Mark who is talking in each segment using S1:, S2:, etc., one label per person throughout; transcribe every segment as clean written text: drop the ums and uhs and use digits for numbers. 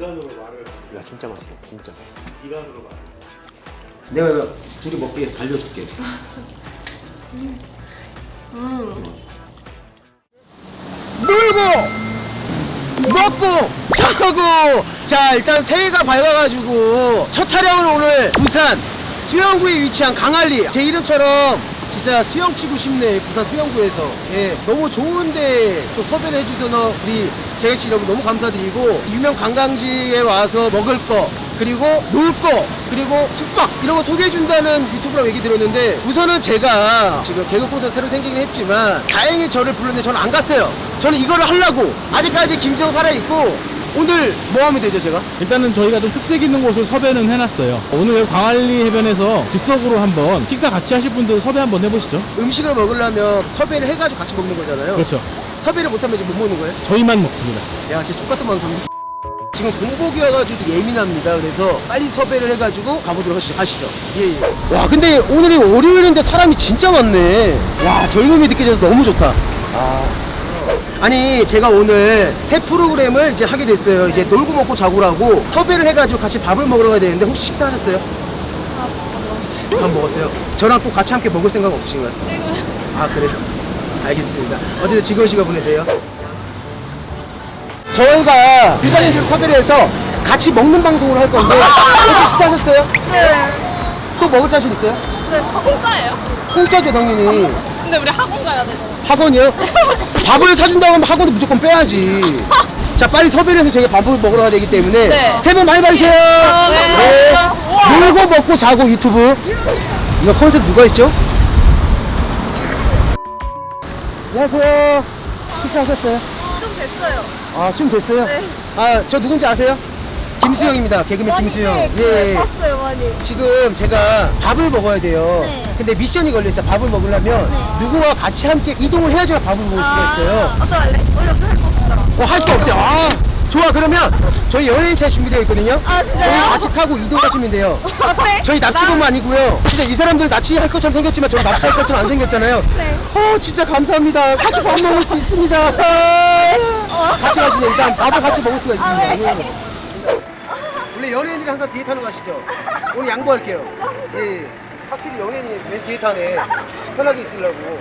S1: 이간으로 말을.
S2: 야 진짜 맛있어 진짜.
S1: 이간으로 말.
S2: 내가 둘이 먹게 달려줄게. 놀고 먹고 자고. 자 일단 새해가 밝아가지고 첫 촬영은 오늘 부산 수영구에 위치한 강알리. 제 이름처럼 진짜 수영 치고 싶네. 부산 수영구에서. 예, 너무 좋은데 또 섭외를 해주셔서 우리 제작진 여러분 너무 감사드리고, 유명 관광지에 와서 먹을 거 그리고 놀 거 그리고 숙박 이런 거 소개해준다는 유튜브라고 얘기 들었는데, 우선은 제가 지금 개그콘서 새로 생기긴 했지만 다행히 저를 불렀는데 저는 안 갔어요. 저는 이거를 하려고. 아직까지 김수영 살아있고. 오늘 뭐 하면 되죠 제가?
S3: 일단은 저희가 좀 특색 있는 곳을 섭외는 해놨어요. 오늘 광안리 해변에서 즉석으로 한번 식사 같이 하실 분들 섭외 한번 해보시죠.
S2: 음식을 먹으려면 섭외를 해가지고 같이 먹는 거잖아요.
S3: 그렇죠.
S2: 섭외를 못하면 지금 못 먹는 거예요?
S3: 저희만 먹습니다.
S2: 야 진짜 똑같은 방송. 지금 공복이어가지고 예민합니다. 그래서 빨리 섭외를 해가지고 가보도록 하시죠. 예. 와 근데 오늘이 월요일인데 사람이 진짜 많네. 와 젊음이 느껴져서 너무 좋다. 아니 제가 오늘 새 프로그램을 이제 하게 됐어요. 이제 놀고 먹고 자고라고 섭외를 해가지고 같이 밥을 먹으러 가야 되는데, 혹시 식사하셨어요? 밥 먹었어요. 저랑 또 같이 함께 먹을 생각 없으신가요?
S4: 지금
S2: 아 그래요? 알겠습니다. 어쨌든 즐거운 시간 보내세요. 저희가 일반인들 섭외를 해서 같이 먹는 방송을 할 건데 혹시 식사하셨어요?
S4: 네.
S2: 또 먹을 자신 있어요?
S4: 네, 공짜예요.
S2: 공짜죠 당연히.
S4: 근데 우리 학원 가야 되잖아.
S2: 학원이요? 밥을 사준다고 하면 학원도 무조건 빼야지. 자 빨리 섭외를 해서 저희가 밥을 먹으러 가야 되기 때문에
S4: 네.
S2: 새해 복 많이 받으세요.
S4: 네.
S2: 놀고 먹고 자고 유튜브. 이거 컨셉 누가 있죠? 안녕하세요. 식사하셨어요?
S4: 좀 됐어요.
S2: 아 좀 됐어요?
S4: 네.
S2: 아 저 누군지 아세요? 김수영입니다. 개그맨 김수영.
S4: 예. 봤어요, 많이.
S2: 지금 제가 밥을 먹어야 돼요.
S4: 네.
S2: 근데 미션이 걸려있어요. 밥을 먹으려면
S4: 네.
S2: 누구와 같이 함께 이동을 해야지 밥을 먹을 수가 있어요.
S4: 어떡할래? 원래 할거 없었잖아.
S2: 할 거 없대요. 아 좋아. 그러면 저희 연예인차 준비되어 있거든요.
S4: 아, 진짜요?
S2: 저희 같이 타고 이동하시면 돼요.
S4: 어때?
S2: 저희 납치범 아니고요. 진짜 이 사람들 납치할 것처럼 생겼지만 저희 납치할 것처럼 안 생겼잖아요.
S4: 네.
S2: 진짜 감사합니다. 같이 밥 먹을 수 있습니다. 같이 가시죠. 일단 밥을 같이 먹을 수가 있습니다.
S4: 네.
S2: 원래 연예인들이 항상 뒤에 타는 거 아시죠? 오늘 양보할게요. 예. 확실히 연예인이 맨 뒤에 타네. 편하게 있으려고.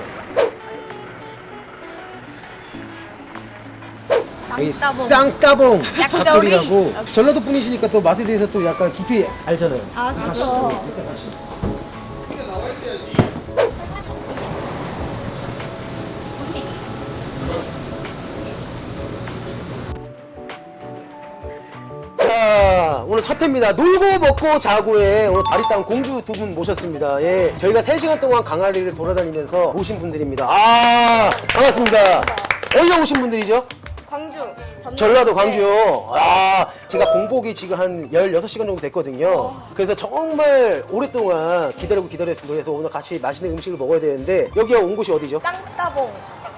S2: 여기 쌍따봉 닭도리라고. 전라도 분이시니까 또 맛에 대해서 또 약간 깊이 알잖아요.
S4: 아, 그렇죠.
S2: 자, 오늘 첫 회입니다. 놀고 먹고 자고에 오늘 다리땅 공주 두 분 모셨습니다. 예, 저희가 3시간 동안 강아리를 돌아다니면서 오신 분들입니다. 반갑습니다. 어디서 오신 분들이죠?
S4: 광주.
S2: 전라도 광주요. 제가 공복이 지금 한 16시간 정도 됐거든요. 그래서 정말 오랫동안 기다렸습니다. 그래서 오늘 같이 맛있는 음식을 먹어야 되는데, 여기 온 곳이 어디죠?
S4: 쌍따봉.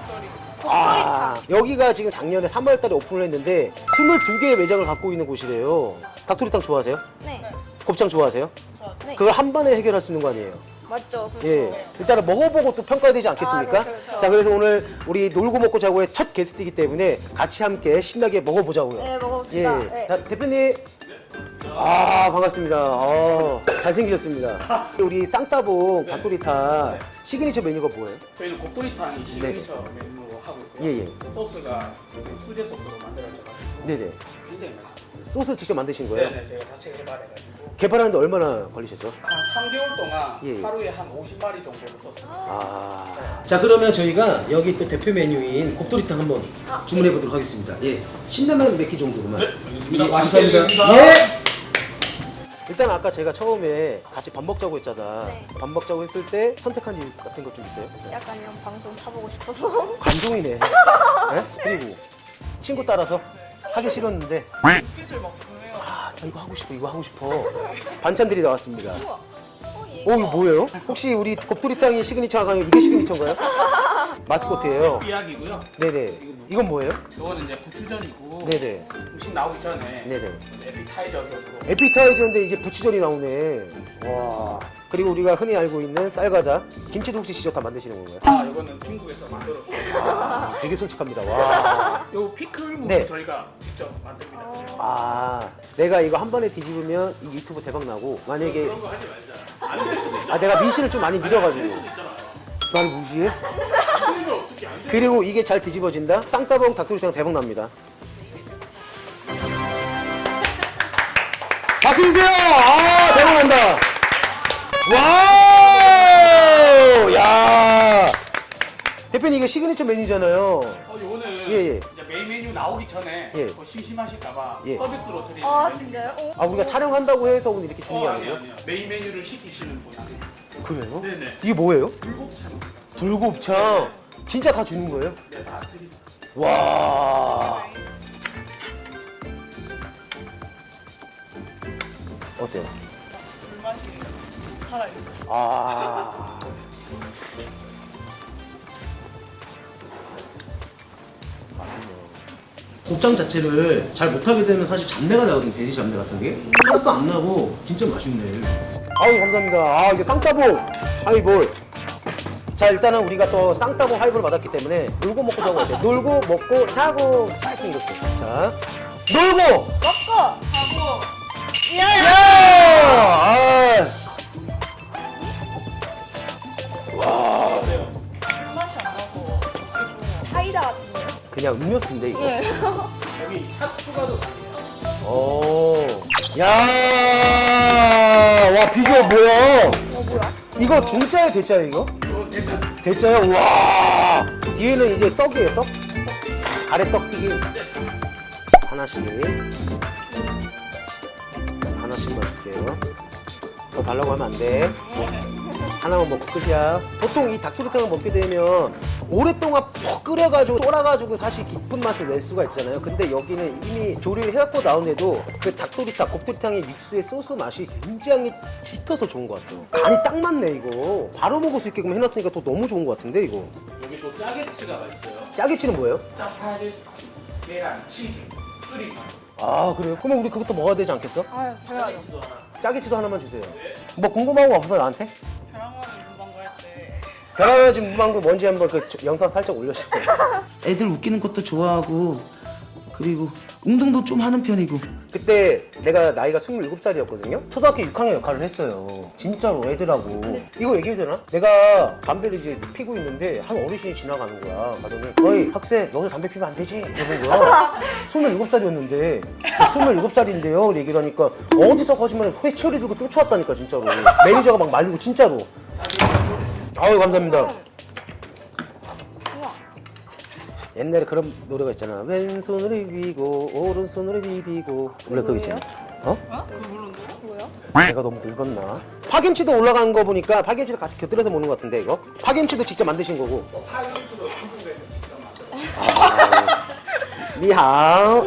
S2: 여기가 지금 작년에 3월 달에 오픈을 했는데 22개의 매장을 갖고 있는 곳이래요. 닭도리탕 좋아하세요?
S4: 네.
S2: 곱창 좋아하세요?
S4: 네.
S2: 그걸 한 번에 해결할 수 있는 거 아니에요?
S4: 맞죠.
S2: 예. 일단은 먹어보고 또 평가해야 되지 않겠습니까?
S4: 그렇죠.
S2: 자, 그래서 오늘 우리 놀고 먹고 자고의 첫 게스트이기 때문에 같이 함께 신나게 먹어보자고요.
S4: 네, 먹어봅시다.
S2: 예.
S4: 네.
S2: 자, 대표님. 반갑습니다. 잘생기셨습니다. 우리 쌍따봉 닭도리탕 시그니처 메뉴가 뭐예요?
S1: 저희는 곱돌이탕이 시그니처 메뉴로 하고 있고요.
S2: 예.
S1: 소스가 수제 소스로 만들어져가지고
S2: 네네.
S1: 굉장히 맛있어요.
S2: 소스 직접 만드신 거예요?
S1: 네네, 저희가 자체 개발해가지고
S2: 개발하는데 얼마나 걸리셨죠?
S1: 한 3개월 동안
S2: 예.
S1: 하루에 한 50마리 정도를 썼습니다.
S2: 자, 그러면 저희가 여기 또 대표 메뉴인 곱돌이탕 한번 주문해 보도록 하겠습니다. 예. 신라면 몇 개 정도로만.
S1: 네, 알겠습니다.
S2: 예,
S1: 맛있게
S2: 감사합니다.
S1: 드리겠습니다.
S2: 예. 일단 아까 제가 처음에 같이 밥 먹자고 했잖아.
S4: 네.
S2: 밥 먹자고 했을 때 선택한 이유 같은 것 좀 있어요?
S4: 약간 이런 방송 타보고 싶어서.
S2: 감동이네. 예? 그리고 친구 따라서 하기 싫었는데. 저 이거 하고 싶어. 반찬들이 나왔습니다. 이거 뭐예요? 혹시 우리 곱돌이탕이 시그니처가 아니고 이게 시그니처인가요? 마스코트예요.
S1: 삐약이고요.
S2: 네네. 이건 뭐예요?
S1: 이거는 이제 고추전이고
S2: 네네.
S1: 음식 나오기 전에
S2: 네네.
S1: 에피타이저 격으로
S2: 에피타이저인데 이제 부추전이 나오네. 와. 그리고 우리가 흔히 알고 있는 쌀과자. 김치도 혹시 직접 다 만드시는 건가요?
S1: 아 이거는 중국에서 만들었어요.
S2: 아, 되게 솔직합니다. 와.
S1: 요 피클무도
S2: 네.
S1: 저희가 직접 만듭니다.
S2: 아, 내가 이거 한 번에 뒤집으면 이 유튜브 대박 나고 만약에
S1: 그런 거 하지 말자. 안 될 수도 있잖아.
S2: 아 내가 민씨를 좀 많이 믿어가지고
S1: 있잖아.
S2: 나를 무시해?
S1: 안 되면 어떻게 안 돼?
S2: 그리고 이게 잘 뒤집어진다? 쌍따봉 닭도리탕 대박 납니다. 박수 주세요! 아, 대박 난다! 와우! 야! 대표님 이게 시그니처 메뉴잖아요.
S1: 요거는
S2: 예, 예.
S1: 이제 메인 메뉴 나오기 전에
S2: 예.
S1: 뭐 심심하실까봐
S2: 예.
S1: 서비스로 드리는
S4: 아
S1: 메뉴.
S4: 진짜요? 어?
S2: 아, 우리가 촬영한다고 해서 오늘 이렇게 주는 게
S1: 아니요
S2: 아니에요?
S1: 아니요. 메인 메뉴를 시키시는 분 아니에요.
S2: 그래요?
S1: 네네.
S2: 이게 뭐예요?
S1: 불곱창.
S2: 불곱창. 진짜 다 주는 거예요?
S1: 네, 다 드립니다.
S2: 와. 어때요?
S4: 불맛이 살아있어.
S2: 아. 곱창 자체를 잘 못하게 되면 사실 잡내가 나거든요. 돼지 잡내 같은 게. 하나도 안 나고 진짜 맛있네. 아유 감사합니다. 아 이게 쌍따봉 하이볼. 자 일단은 우리가 또 쌍따봉 하이볼 받았기 때문에 놀고 먹고 자고 어때? 놀고 먹고 자고 파이팅 이렇게. 자 놀고
S4: 먹고 하고
S2: 야! 아.
S4: 불맛이 안 나서 사이다 같은데요?
S2: 그냥 음료수인데 이거.
S4: 네.
S1: 여기 핫 추가도 가능해요.
S2: 오. 야! 와 비주얼 뭐야?
S4: 뭐야?
S2: 이거 중짜예요, 대짜예요 이거?
S1: 또 대전.
S2: 대짜요? 와! 뒤에는 이제 떡이에요, 떡? 가래떡 튀김. 하나씩. 하나씩만 줄게요. 더 달라고 하면 안 돼. 하나만 먹고 끝이야. 보통 이 닭도리탕을 먹게 되면 오랫동안 푹 끓여가지고 쫄아가지고 사실 깊은 맛을 낼 수가 있잖아요. 근데 여기는 이미 조리를 해갖고 나오는데도 그 닭도리탕, 곱도리탕의 육수의 소스 맛이 굉장히 짙어서 좋은 것 같아요. 간이 딱 맞네 이거. 바로 먹을 수 있게끔 해놨으니까 더 너무 좋은 것 같은데 이거.
S1: 여기 또 짜게치가 맛있어요.
S2: 짜게치는 뭐예요?
S1: 짜파게티, 계란, 치즈, 쭈리파.
S2: 아 그래요? 그러면 우리 그것도 먹어야 되지 않겠어?
S4: 아유 당연하죠.
S1: 짜게치도 하나.
S2: 짜게치도 하나만 주세요. 뭐 궁금한 거 없어 나한테?
S4: 벼랑거리 문방구 할때
S2: 벼랑거리 문방구 뭔지 한번 그 영상 살짝 올려주세요. 애들 웃기는 것도 좋아하고 그리고 운동도 좀 하는 편이고. 그때 내가 나이가 27살이었거든요. 초등학교 6학년 역할을 했어요. 진짜로 애들하고. 이거 얘기해도 되나? 내가 담배를 이제 피고 있는데 한 어르신이 지나가는 거야. 가더니 어이 학생 너도 담배 피면 안 되지? 이러는 거야. 27살이었는데 27살인데요? 얘기를 하니까 어디서 거짓말을 회초리 들고 쫓아왔다니까 진짜로. 매니저가 막 말리고 진짜로. 아유 감사합니다. 옛날에 그런 노래가 있잖아. 왼손으로 비비고 오른손으로 비비고. 원래 그거 있잖아. 어?
S4: 뭐야?
S2: 내가 너무 늙었나? 파김치도 올라간 거 보니까 파김치도 같이 곁들여서 먹는 것 같은데 이거? 파김치도 직접 만드신 거고.
S1: 파김치도 중국에서 직접 만들었어요.
S2: 아, 니하오.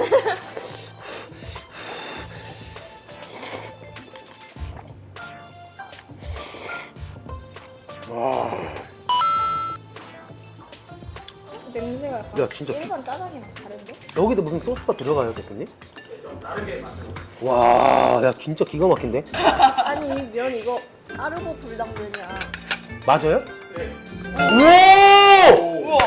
S2: 와.
S4: 냄새가 약간
S2: 야, 진짜
S4: 일반 짜장이랑 다른데?
S2: 여기도 무슨 소스가 들어가요, 대표님?
S1: 좀 다르게 만들었어요.
S2: 와, 야 진짜 기가 막힌데?
S4: 아니 이 면 이거 아르고 불당면이야.
S2: 맞아요?
S1: 네.
S2: 오!
S4: 우와.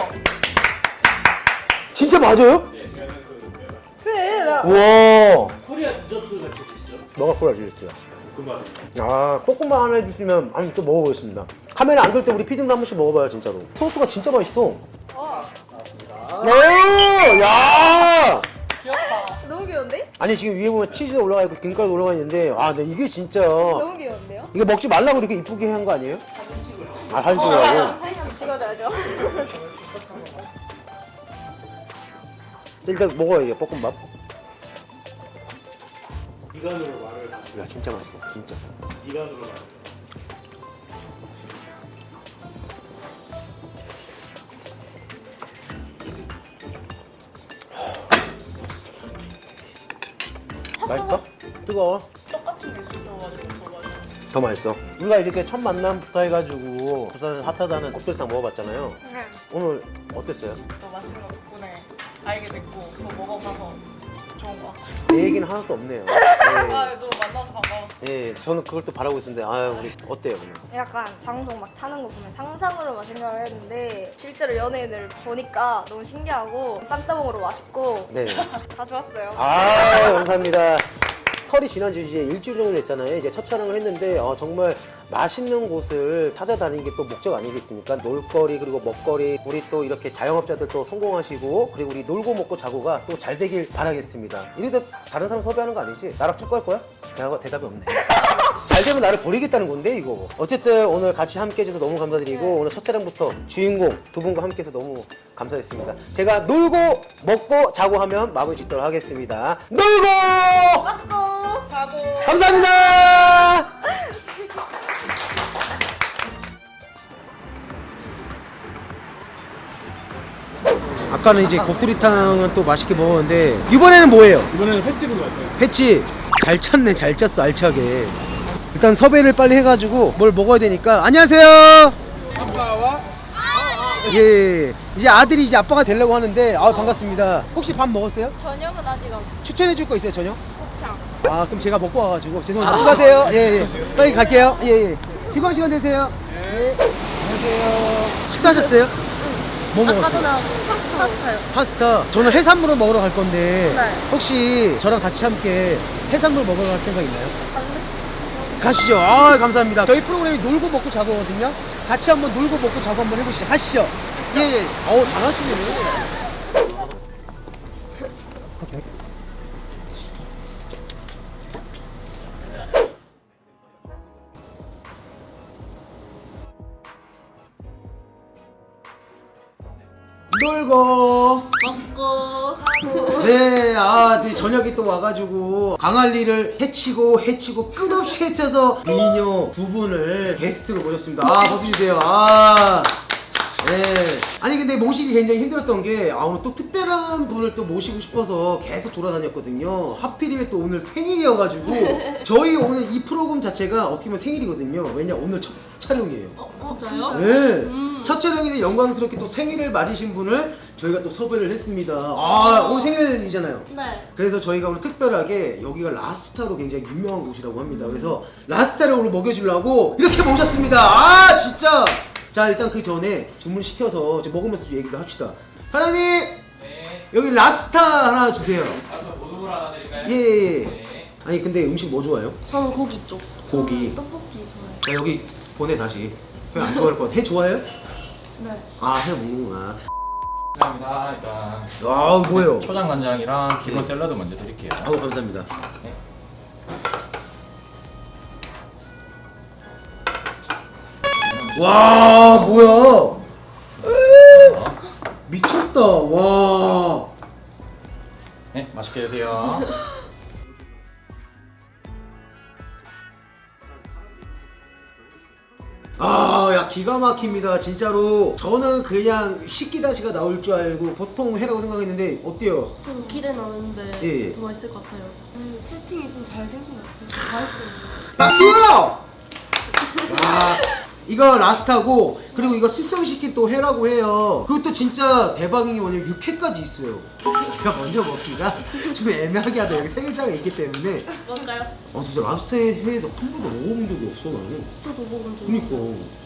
S2: 진짜 맞아요?
S1: 네, 면은 그 맞습니다.
S4: 그래 나
S2: 우와.
S1: 코리아 디저트 같이 드시죠?
S2: 너가 골라주겠죠?
S1: 금방.
S2: 아, 볶음밥 하나 해주시면 아니 또 먹어보겠습니다. 카메라 안 돌 때 우리 피디님도 한 번씩 먹어봐요, 진짜로. 소스가 진짜 맛있어. 오, 야!
S4: 귀엽다. 너무 귀여운데?
S2: 아니 지금 위에 보면 치즈 올라가 있고 김가루 올라가 있는데 아, 근데 이게 진짜
S4: 너무 귀여운데요?
S2: 이거 먹지 말라고 이렇게 이쁘게 한 거 아니에요? 아, 사진 찍으라고.
S4: 사진 한번 찍어줘야죠.
S2: 일단 먹어야 돼, 볶음밥.
S1: 이간으로 말을 하죠.
S2: 야, 진짜 맛있어, 진짜.
S1: 이간으로 말을.
S2: 맛있어? 뜨거워.
S4: 똑같은 게 있어가지고
S2: 더 맛있어. 우리가 이렇게 첫 만남부터 해가지고 부산에서 핫하다는 곱돌탕 먹어봤잖아요.
S4: 네.
S2: 오늘 어땠어요?
S4: 또 맛있는 거 덕분에 알게 됐고 또 먹어봐서 좋은 것 같아요.
S2: 내 얘기는 하나도 없네요.
S4: 아, 너 만나서 반가웠어.
S2: 예, 저는 그걸 또 바라고 있었는데 아유 우리 어때요 오늘?
S5: 약간 방송 막 타는 거 보면 상상으로만 생각을 했는데 실제로 연예인을 보니까 너무 신기하고 쌈따봉으로 맛있고
S2: 네.
S5: 다 좋았어요.
S2: 아 감사합니다. 설이 지난 지 이제 일주일 정도 됐잖아요. 이제 첫 촬영을 했는데 정말 맛있는 곳을 찾아다니는 게 또 목적 아니겠습니까? 놀거리 그리고 먹거리 우리 또 이렇게 자영업자들 또 성공하시고 그리고 우리 놀고 먹고 자고가 또 잘 되길 바라겠습니다. 이래도 다른 사람 섭외하는 거 아니지? 나랑 쭉 갈 거야? 대답이 없네. 잘 되면 나를 버리겠다는 건데 이거. 어쨌든 오늘 같이 함께 해줘서 너무 감사드리고 오늘 첫 촬영부터 주인공 두 분과 함께 해서 너무 감사했습니다. 제가 놀고 먹고 자고 하면 마무리 짓도록 하겠습니다. 놀고
S5: 먹고
S4: 자고.
S2: 감사합니다. 아까는 이제 곱두리탕을 또 맛있게 먹었는데 이번에는 뭐예요?
S3: 이번에는 횟집으로 갈까요?
S2: 횟집 잘 찾네 잘 짰어 알차게. 일단 섭외를 빨리 해가지고 뭘 먹어야 되니까 안녕하세요.
S3: 아빠와
S2: 예 이제 아들이 이제 아빠가 되려고 하는데 반갑습니다. 혹시 밥 먹었어요?
S5: 저녁은 아직 없고
S2: 추천해 줄 거 있어요 저녁?
S5: 곱창.
S2: 아 그럼 제가 먹고 와가지고 죄송합니다. 수고하세요. 예 빨리 갈게요. 예 즐거운 시간 되세요. 예 안녕하세요. 식사하셨어요? 뭐 먹었어요?
S5: 나오고 파스타요.
S2: 파스타. 저는 해산물을 먹으러 갈 건데
S5: 네.
S2: 혹시 저랑 같이 함께 해산물 먹으러 갈 생각 있나요? 가시죠. 아 감사합니다. 저희 프로그램이 놀고 먹고 자고거든요. 같이 한번 놀고 먹고 자고 한번 해보시죠. 가시죠. 예. 잘하시네요. 놀고
S5: 먹고
S2: 네, 네, 저녁에 또 와가지고 강할리를 해치고 끝없이 해쳐서 미녀 두 분을 게스트로 모셨습니다. 박수 주세요. 네. 아니 근데 모시기 굉장히 힘들었던 게 오늘 또 특별한 분을 또 모시고 싶어서 계속 돌아다녔거든요. 하필이면 또 오늘 생일이어가지고 저희 오늘 이 프로그램 자체가 어떻게 보면 생일이거든요. 왜냐 오늘 첫 촬영이에요.
S5: 진짜요?
S2: 네. 첫 촬영인데 영광스럽게 또 생일을 맞으신 분을 저희가 또 섭외를 했습니다. 오늘 생일이잖아요.
S5: 네.
S2: 그래서 저희가 오늘 특별하게 여기가 라스타로 굉장히 유명한 곳이라고 합니다. 그래서 라스타를 오늘 먹여주려고 이렇게 모셨습니다. 진짜. 자 일단 그 전에 주문 시켜서 먹으면서 좀 얘기도 합시다. 사장님.
S6: 네.
S2: 여기 랍스타 하나 주세요.
S6: 가서 모둠으로 하나 드릴까요?
S2: 예.
S6: 네.
S2: 아니 근데 음식 뭐 좋아해요?
S5: 저는 고기 쪽.
S2: 고기.
S5: 떡볶이 좋아해요.
S2: 자 여기 보내 다시. 형 안 좋아할 것 같아. 해 좋아해요?
S5: 네.
S2: 해 먹는구나.
S6: 감사합니다. 일단
S2: 뭐예요?
S6: 초장 간장이랑 기본
S2: 네.
S6: 샐러드 먼저 드릴게요.
S2: 감사합니다.
S6: 네.
S2: 와 뭐야? 미쳤다. 와.
S6: 네, 맛있게 드세요.
S2: 야 기가 막힙니다 진짜로. 저는 그냥 식기다시가 나올 줄 알고 보통 회라고 생각했는데 어때요?
S7: 좀 기대 나는데
S2: 예.
S7: 더 맛있을 것 같아요. 세팅이 좀 잘 된 것 같아요. 맛있어요.
S2: 박수! 와 이거 라스타고 그리고 이거 숙성시킨 또 회라고 해요. 그리고 또 진짜 대박인 게 뭐냐면 육회까지 있어요. 제가 먼저 먹기가 좀 애매하게 하다 여기 생일자가 있기 때문에.
S7: 뭘까요?
S2: 진짜 라스타의 회 한 번도 먹어본 적이 없어 나는.
S7: 저도 먹은 적
S2: 그니까
S7: 있어요.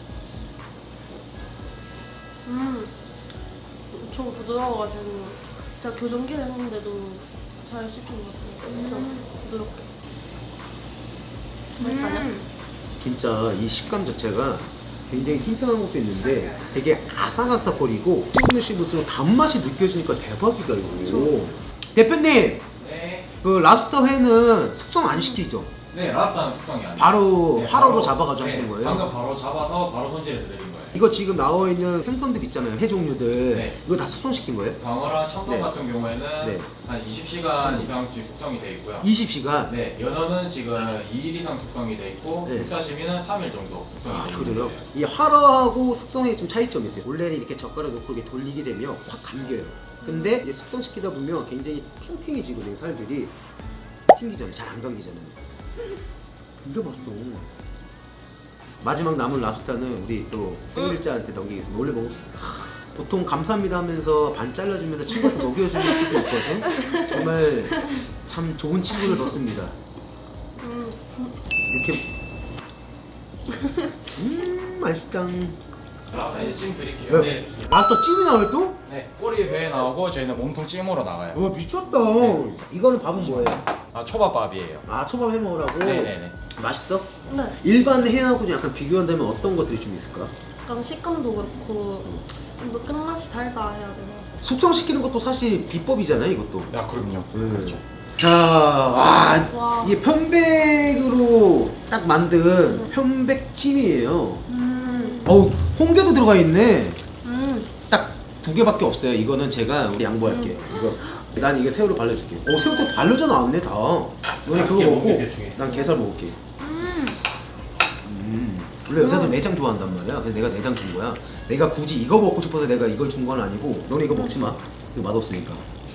S7: 엄청 부드러워가지고 제가 교정기를 했는데도 잘 씹힌 것 같아요. 엄청 부드럽게. 맛있어요?
S2: 진짜 이 식감 자체가 굉장히 튼튼한 것도 있는데 되게 아삭아삭거리고 씹을수록 단맛이 느껴지니까 대박이다 이거. 대표님
S6: 네.
S2: 그 랍스터 회는 숙성 안 시키죠?
S6: 네, 랍스타는 숙성이 아니에요.
S2: 바로
S6: 네,
S2: 화로로
S6: 바로,
S2: 잡아가지고
S6: 네,
S2: 하시는 거예요?
S6: 방금 바로 잡아서 바로 손질해서 드린 거예요.
S2: 이거 지금 나와 있는 생선들 있잖아요 회 종류들.
S6: 네.
S2: 이거 다 숙성시킨 거예요?
S6: 광어랑 참돔
S2: 네.
S6: 같은 경우에는
S2: 네.
S6: 한 20시간 이상씩 숙성이 돼 있고요.
S2: 20시간?
S6: 네, 연어는 지금 2일 이상 숙성이 돼 있고
S2: 네.
S6: 육사시미는 3일 정도 숙성이 돼 있는
S2: 그래요?
S6: 거예요.
S2: 이 화로하고 숙성에 좀 차이점이 있어요. 원래는 이렇게 젓가락 넣고 이렇게 돌리게 되면 확 감겨요. 근데 이제 숙성시키다 보면 굉장히 탱탱해지거든요 살들이. 튕기잖아요. 잘 안 감기잖아요. 근데 맛있어. 마지막 남은 랍스타는 우리 또 생일자한테 넘기겠습니다. 원래 먹 보통 감사합니다 하면서 반 잘라주면서 친구한테 먹여주는 수도 있거든. 정말 참 좋은 친구를 뒀습니다. 이렇게 맛있다.
S6: 랍스타 이제 찜 드릴게요.
S1: 네.
S2: 랍스타 찜이 나와요 또?
S6: 네, 꼬리 배에 나오고 저희는 몸통 찜으로 나가요.
S2: 와 미쳤다. 이거는 밥은 뭐예요?
S6: 아, 초밥밥이에요.
S2: 아 초밥 해 먹으라고?
S6: 네네네.
S2: 맛있어?
S7: 네.
S2: 일반 회하고 약간 비교한다면 어떤 것들이 좀 있을까?
S7: 약간 식감도 그렇고 좀 더 끝맛이 달다 해야 되나?
S2: 숙성시키는 것도 사실 비법이잖아요 이것도.
S6: 야, 그럼요.
S2: 그렇죠. 자, 와,
S7: 와.
S2: 이게 편백으로 딱 만든 편백찜이에요. 어우, 홍게도 들어가 있네. 딱 2개밖에 없어요. 이거는 제가 양보할게. 이거 난 이게 새우를 발라줄게. 오, 새우도 발라져 나왔네 다. 너네 그거
S1: 맛있게
S2: 먹고
S1: 먹게 대충.
S2: 난 게살 먹을게. 원래 여자들 내장 좋아한단 말이야. 그래서 내가 내장 준 거야. 내가 굳이 이거 먹고 싶어서 내가 이걸 준 건 아니고 너네 이거 먹지 마. 이거 맛없으니까.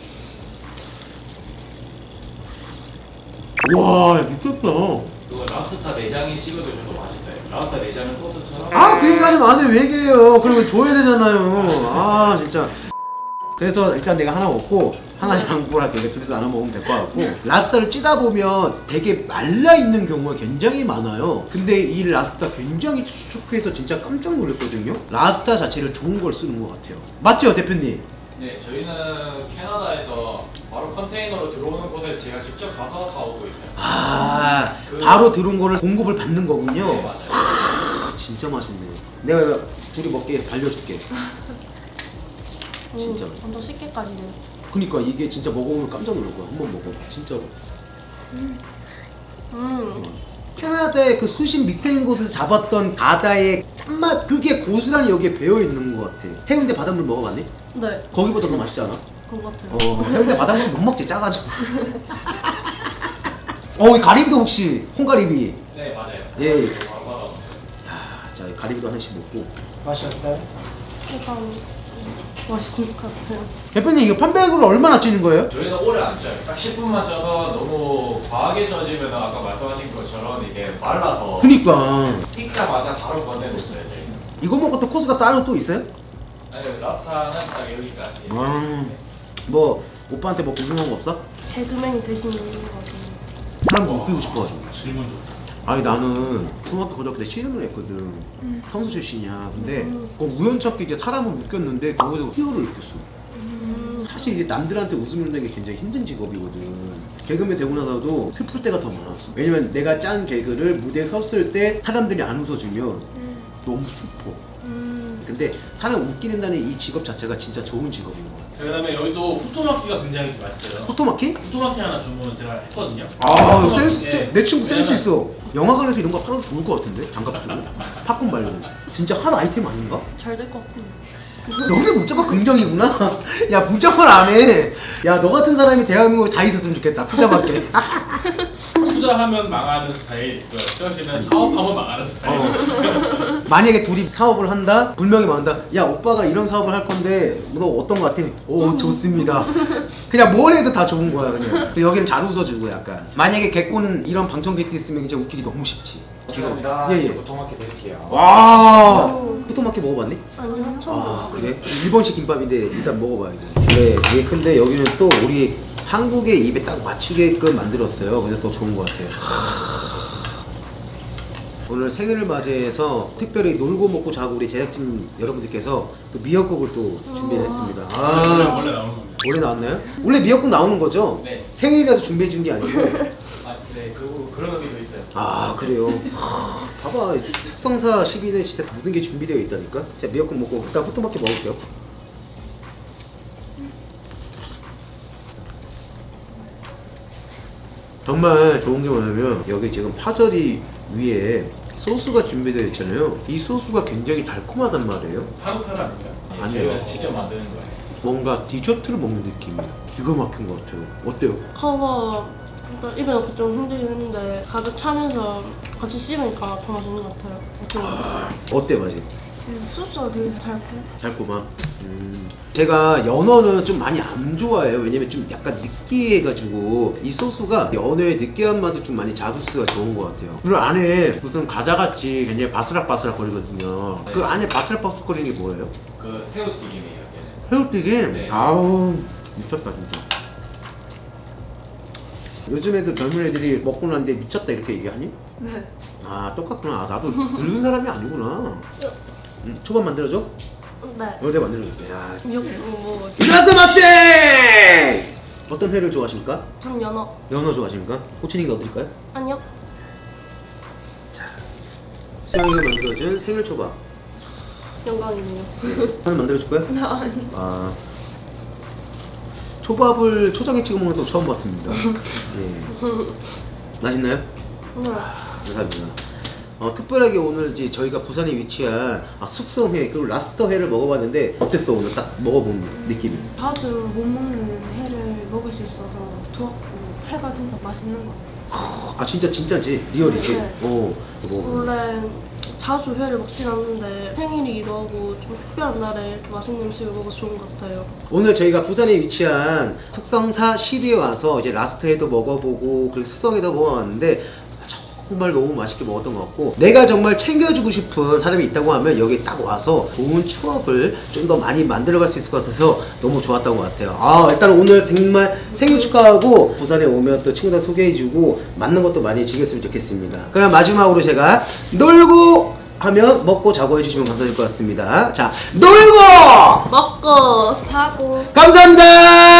S2: 와, 미쳤다.
S6: 그거 랍스타 내장에 찍어 드셔도 맛있어요. 랍스타 내장은 소스처럼.
S2: 아, 그 얘기 하지 마세요. 왜 얘기해요? 그리고 줘야 되잖아요. 아, 진짜. 그래서 일단 내가 하나 먹고 하나 양보를 할게. 내가 둘이서 나눠 먹으면 될 것 같고. 랍스타를 찌다 보면 되게 말라있는 경우가 굉장히 많아요. 근데 이 랍스타 굉장히 촉촉해서 진짜 깜짝 놀랐거든요. 랍스타 자체를 좋은 걸 쓰는 것 같아요. 맞죠, 대표님?
S6: 네, 저희는 캐나다에서 바로 컨테이너로 들어오는 곳에 제가 직접 가서 사오고 있어요.
S2: 아, 바로 들어온 거를 공급을 받는 거군요.
S6: 네, 맞아요.
S2: 아, 진짜 맛있네. 내가 이거 둘이 먹게 발려줄게. 진짜.
S7: 완전 쉽게까지네.
S2: 그니까 이게 진짜 먹어보면 깜짝 놀랄 거야. 한번 먹어. 진짜로. 캐나다의 그 수심 밑에 있는 곳에서 잡았던 바다의 짠맛 그게 고스란히 여기에 배어 있는 것 같아. 해운대 바닷물 먹어봤니?
S7: 네.
S2: 거기보다 더 맛있지 않아?
S7: 그런 것 같아요.
S2: 해운대 바닷물 못 먹지 짜가지고. 이 가리비도 혹시 콩가리비?
S6: 네, 맞아요.
S2: 예.
S6: 바로 받아.
S2: 자, 이 가리비도 하나씩 먹고.
S1: 맛이 어떨까요?
S7: 일단 맛있을 것 같아요.
S2: 대표님 이거 편백으로 얼마나 찌는 거예요?
S6: 저희는 오래 안 쪄요. 딱 10분만 쪄서 너무 과하게 쪄지면 아까 말씀하신 것처럼 이게 말라서
S2: 그니까
S6: 익자마자 바로 건네놓어요 저희는.
S2: 이거 먹고 또 코스가 따로 또 있어요?
S6: 아니, 랍스타는 딱 여기까지.
S2: 뭐 오빠한테 뭐 궁금한 거 없어?
S7: 개그맨이 되시는 것 같아요.
S2: 사람 웃기고 싶어가지고.
S1: 질문 좋다.
S2: 아니 나는 중학교 고등학교 때 씨름을 했거든. 선수 출신이야. 근데 그 우연찮게 이제 사람을 웃겼는데 거기서 희열을 느꼈어. 사실 이게 남들한테 웃음을 내는 게 굉장히 힘든 직업이거든. 개그맨 되고 나서도 슬플 때가 더 많았어. 왜냐면 내가 짠 개그를 무대에 섰을 때 사람들이 안 웃어주면 너무 슬퍼. 근데 사람 웃기는다는 이 직업 자체가 진짜 좋은 직업인 것 같아.
S1: 그다음에 여기도 후토마키가 굉장히 맛있어요.
S2: 포토마키?
S1: 후토마키 하나 주문 제가 했거든요.
S2: 아,
S1: 후토마키,
S2: 내 친구 센스
S1: 왜냐면
S2: 있어. 영화관에서 이런 거 팔아도 좋을 것 같은데? 장갑 주고. 팝콘 말고. 진짜 한 아이템 아닌가?
S7: 잘 될 것 같아요.
S2: 너네 목적가 긍정이구나? 야, 부정을 안 해. 야, 너 같은 사람이 대한민국에 다 있었으면 좋겠다. 투자밖에.
S1: 투자하면 망하는 스타일, 저씨는 사업하면 망하는 스타일.
S2: 만약에 둘이 사업을 한다? 분명히 말한다. 야, 오빠가 이런 사업을 할 건데 너 어떤 거 같아? 오, 좋습니다. 그냥 뭘 해도 다 좋은 거야, 그냥. 그리고 여기는 잘 웃어주고 약간. 만약에 개콘 이런 방청객도 있으면 이제 웃기기 너무 쉽지.
S6: 감사합니다.
S2: 예, 예.
S6: 보통마켓 드릴게요.
S2: 와, 후토마키 먹어봤니?
S7: 아니요, 처음
S2: 아,
S7: 봤어요.
S2: 그래? 일본식 김밥인데 일단 먹어봐야 돼. 그래, 예, 근데 여기는 또 우리 한국의 입에 딱 맞추게끔 만들었어요. 그래서 더 좋은 것 같아요. 오늘 생일을 맞이해서 특별히 놀고 먹고 자고 우리 제작진 여러분들께서 또 미역국을 또 준비했습니다.
S1: 원래 나오는 겁니다.
S2: 원래 나왔나요? 원래 미역국 나오는 거죠?
S6: 네.
S2: 생일이라서 준비해 준 게 아니고.
S6: 아, 네, 그런 의미도 있어요.
S2: 아, 그래요? 봐봐, 특성사 10인에 진짜 모든 게 준비되어 있다니까? 자, 미역국 먹고 일단 호토마키 먹을게요. 정말 좋은 게 뭐냐면 여기 지금 파절이 위에 소스가 준비되어 있잖아요. 이 소스가 굉장히 달콤하단 말이에요.
S1: 타르타르 아닌가요?
S2: 아니에요.
S6: 저희가 직접 만드는 거예요.
S2: 뭔가 디저트를 먹는 느낌이야. 기가 막힌 것 같아요. 어때요?
S7: 커버 그러니까 입에 넣기 좀 힘들긴 했는데 가득 차면서 같이 씹으니까 더 맛있는 것 같아요. 어때요?
S2: 어때 맛이?
S7: 소스가 되게 달고.
S2: 달콤함. 제가 연어는 좀 많이 안 좋아해요. 왜냐면 좀 약간 느끼해가지고 이 소스가 연어의 느끼한 맛을 좀 많이 잡을 수가 좋은 것 같아요. 그리고 안에 무슨 과자같이 굉장히 바스락바스락 거리거든요. 그 안에 바스락바스락 거리는 게 뭐예요?
S6: 그 새우튀김이에요.
S2: 새우튀김?
S6: 네.
S2: 아우 미쳤다 진짜. 요즘 애들 젊은 애들이 먹고 났는데 미쳤다 이렇게 얘기하니?
S7: 네.
S2: 아 똑같구나. 나도 늙은 사람이 아니구나. 초밥 만들어줘?
S7: 네.
S2: 이거 내가 만들어줄게. 야.
S7: 여기 뭐
S2: 일어나서 맛쟁! 어떤 회를 좋아하십니까?
S7: 전 연어.
S2: 연어 좋아하십니까? 호치니가 넣어드릴까요?
S7: 아니요.
S2: 수영이가 만들어준 생일초밥
S7: 영광이네요.
S2: 하나 만들어줄 거야?
S7: 아니.
S2: 아 초밥을 초장에 찍어 먹는 거 처음 봤습니다. 예. 맛있나요?
S7: 네.
S2: 감사합니다. 특별하게 오늘 이제 저희가 부산에 위치한 숙성회 그리고 랍스터회를 먹어봤는데 어땠어 오늘 딱 먹어본 느낌이?
S7: 자주 못 먹는 회를 먹을 수 있어서 좋았고 회가 진짜 맛있는 것 같아요.
S2: 아 진짜지 리얼이지?
S7: 네.
S2: 먹어보고.
S7: 원래 자주 회를 먹진 않는데 생일이기도 하고 좀 특별한 날에 이렇게 맛있는 음식을 먹어서 좋은 것 같아요.
S2: 오늘 저희가 부산에 위치한 숙성사 시리에 와서 이제 랍스터회도 먹어보고 그리고 숙성회도 먹어봤는데 정말 너무 맛있게 먹었던 것 같고 내가 정말 챙겨주고 싶은 사람이 있다고 하면 여기 딱 와서 좋은 추억을 좀 더 많이 만들어갈 수 있을 것 같아서 너무 좋았던 것 같아요. 일단 오늘 정말 생일 축하하고 부산에 오면 또 친구들 소개해주고 맞는 것도 많이 즐겼으면 좋겠습니다. 그럼 마지막으로 제가 놀고 하면 먹고 자고 해주시면 감사할 것 같습니다. 자, 놀고
S7: 먹고 자고.
S2: 감사합니다.